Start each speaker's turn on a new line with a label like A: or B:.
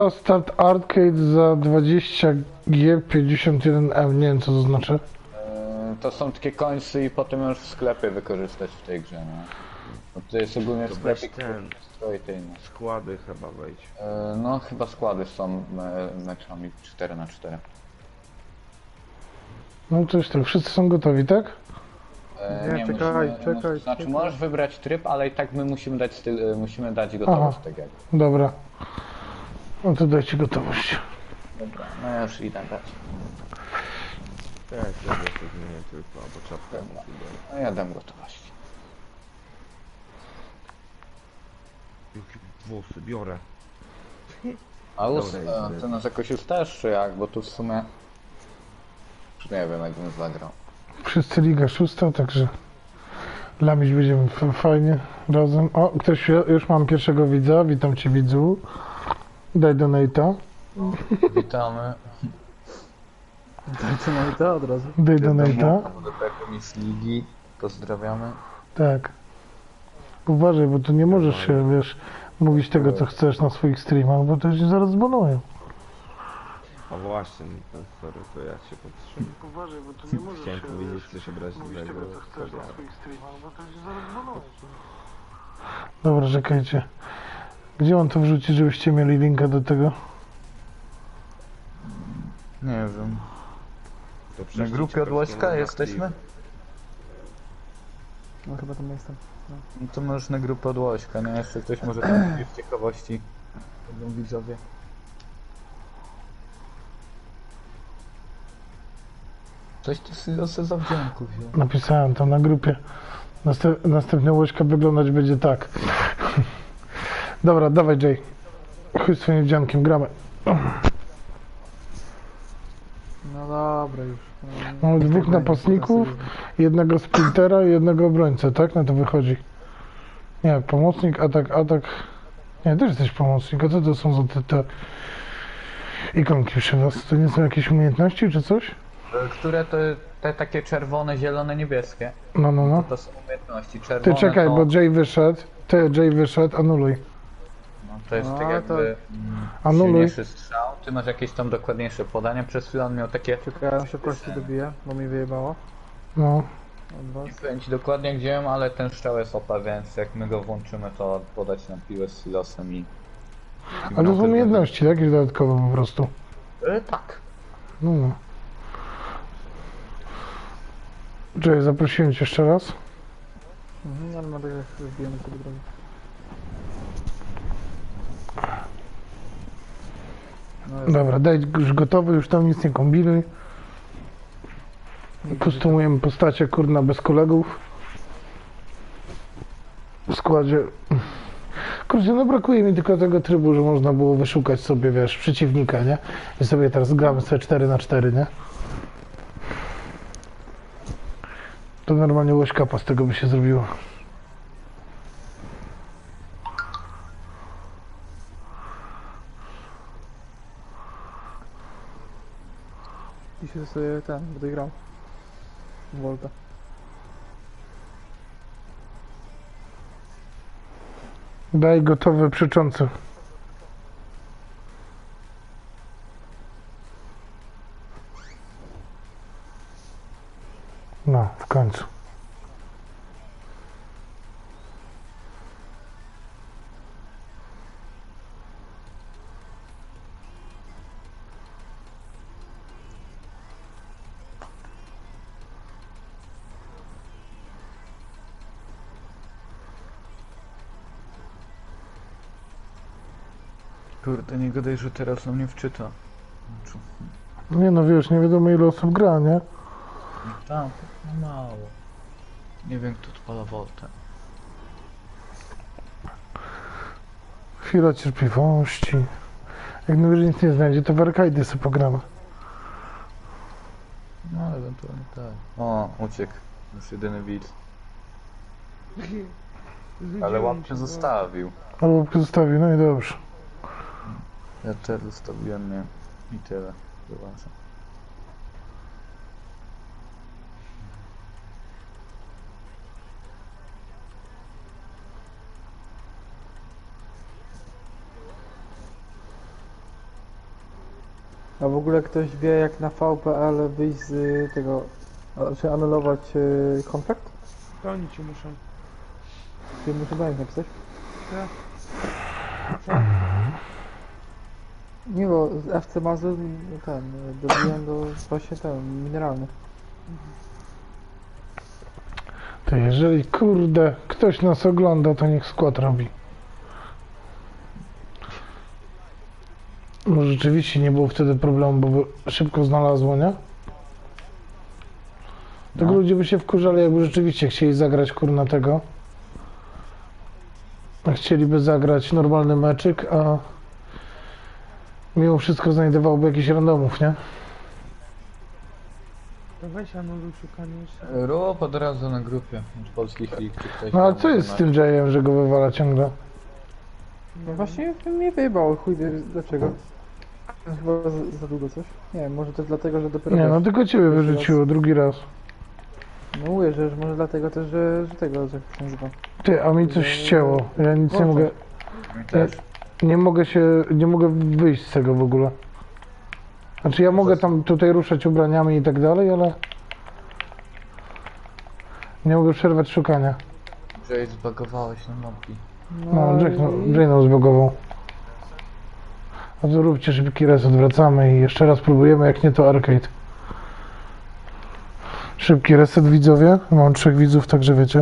A: Start Arcade za 20G51M, nie wiem co to znaczy.
B: To są takie końce i potem możesz w sklepie wykorzystać w tej grze, no. Bo to jest ogólnie
C: To
B: sklepik,
C: weź ten.
B: który tej, no.
C: Składy chyba wejdź.
B: No chyba składy są meczami 4x4.
A: No to jest tak, wszyscy są gotowi, tak?
D: Nie, czekaj, czekaj,
B: Znaczy
D: czekaj.
B: możesz wybrać tryb, ale i tak my musimy dać musimy dać gotowość tak jak.
A: Dobra. No to dajcie gotowość.
B: Dobra, no ja już idę dać.
C: Tak, ja to zmienię tylko, bo czapkę
B: Dobra.
C: musi dać.
B: No ja dam gotowość.
C: Jakie włosy, biorę.
B: A
C: Dobra,
B: ty nas jakoś ustasz czy jak? Bo tu w sumie... Nie wiem jak bym zagrał.
A: Wszyscy Liga Szósta, także lamić będziemy fajnie razem. O, ktoś, już mam pierwszego widza, witam cię widzu. Daj donate'a.
B: Witamy.
D: Dajcie na to od razu.
A: Daj donate'a.
B: Do tego z ligi. Pozdrawiamy.
A: Tak. Uważaj, bo tu nie możesz się, wiesz, mówić tego co chcesz na swoich streamach, bo to się zaraz zbanują.
C: A właśnie, no, sorry, to ja się powstrzymam.
A: Uważaj, bo tu nie możesz
C: Chciałem powiedzieć coś obraźliwego.
A: streamach, bo to się zaraz zbanują. Dobra, czekajcie. Gdzie mam to wrzucić, żebyście mieli linka do tego?
B: Nie wiem.
C: To
B: Na
C: prześlijcie
B: grupie od
C: po
B: Łośka
C: prostu na
B: jesteśmy?
C: aktyw.
D: No chyba tam jestem.
B: No to możesz na grupę od Łośka, no jeszcze ktoś może tam z ciekawości. Będą widzowie. Coś ty sobie za wdzięku wziął.
A: Napisałem tam na grupie. Następny łośka wyglądać będzie tak. Dobra, dawaj Jay. Chodź swoim wdziankiem, gramy.
D: No dobra już.
A: Mamy dwóch napastników, jednego sprintera i jednego obrońcę, tak? Na to wychodzi. Nie, pomocnik, atak. Nie, też jesteś pomocnik. A co to są za te ikonki przy was? To nie są jakieś umiejętności czy coś?
B: Które to te takie czerwone, zielone, niebieskie?
A: No.
B: To są umiejętności. Czerwone
A: Ty czekaj,
B: to,
A: bo Jay wyszedł. Jay wyszedł, anuluj.
B: no, to jest
D: No,
B: tak jakby
A: Anuluj.
B: silniejszy strzał. Ty masz jakieś tam dokładniejsze podania. Przez chwilę on miał takie...
D: Czekaj, ja się kości dobiję, bo mi wyjebało.
A: No.
D: Od was.
B: Nie powiem ci dokładnie gdzie ją, ale ten strzał jest OP, więc jak my go włączymy, to podać nam piłę z silosem i...
A: Ale to są umiejętności, tak? Jakieś dodatkowe po prostu.
B: Tak.
A: No. Jay, zaprosiłem cię jeszcze raz.
D: Ale no tak jak wbijemy sobie drogę. No jest.
A: Dobra, daj już gotowy, już tam nic nie kombinuj. Kostumujemy postacie, kurna, bez kolegów. W składzie. Kurczę, no brakuje mi tylko tego trybu, że można było wyszukać sobie, wiesz, przeciwnika, nie? I sobie teraz gramy sobie 4x4, nie? To normalnie łośkapa z tego by się zrobiło.
D: I się sobie będę grał. Volta.
A: Daj gotowe przeczące. No, w końcu.
B: Kurde, nie gadaj, że teraz on mnie wczyta.
A: Nie no, wiesz, nie wiadomo ile osób gra, nie?
B: Tam, no mało. Nie wiem kto odpala Voltę.
A: Chwila cierpliwości. Jak najwyżej nic nie znajdzie, to w Arkaidy sobie pogramy.
B: No ewentualnie tak. O, uciekł. Już jedyny widz. Ale łapkę zostawił.
A: Ale łapkę zostawi, no i dobrze.
B: Ja też zostawiłem, nie. I tyle. Zobaczę.
D: A w ogóle ktoś wie jak na VPL wyjść z tego, znaczy anulować kontrakt?
C: To oni ci muszą.
D: Czy muszę do nich napisać? Nie, bo z FC Mazur ten, dobiłem do właśnie ten, mineralny.
A: To jeżeli kurde ktoś nas ogląda, to niech skład robi. Bo rzeczywiście nie było wtedy problemu, bo by szybko znalazło, nie? Tylko
B: No.
A: ludzie by się wkurzali, jakby rzeczywiście chcieli zagrać kurna tego. A chcieliby zagrać normalny meczyk, a mimo wszystko znajdowałby jakichś randomów, nie?
C: To weź anuluj szukanie jeszcze.
B: Rób od razu na grupie z polskich lig, czy ktoś
A: No a
B: tam
A: co jest z tym Jayem, że go wywala ciągle?
D: No właśnie mnie wyjebał, chuj wie dlaczego. Chyba za długo coś? Nie wiem, może też dlatego, że dopiero...
A: Nie, no
D: wiesz,
A: tylko ciebie
D: Jeszcze
A: wyrzuciło drugi raz.
D: no mówię, że może dlatego też, że tego, że jak się nazywa.
A: Ty, a mi coś ścięło. Ja nic nie mogę.
B: też.
A: Nie mogę wyjść z tego w ogóle. Znaczy ja mogę tam tutaj ruszać ubraniami i tak dalej, ale nie mogę przerwać szukania.
B: Że zbagowałeś na mapki.
A: No,
D: i-
A: Jay nam zbugował. A to róbcie szybki reset, wracamy i jeszcze raz próbujemy, jak nie to arcade. Szybki reset widzowie, mam 3 widzów, także wiecie.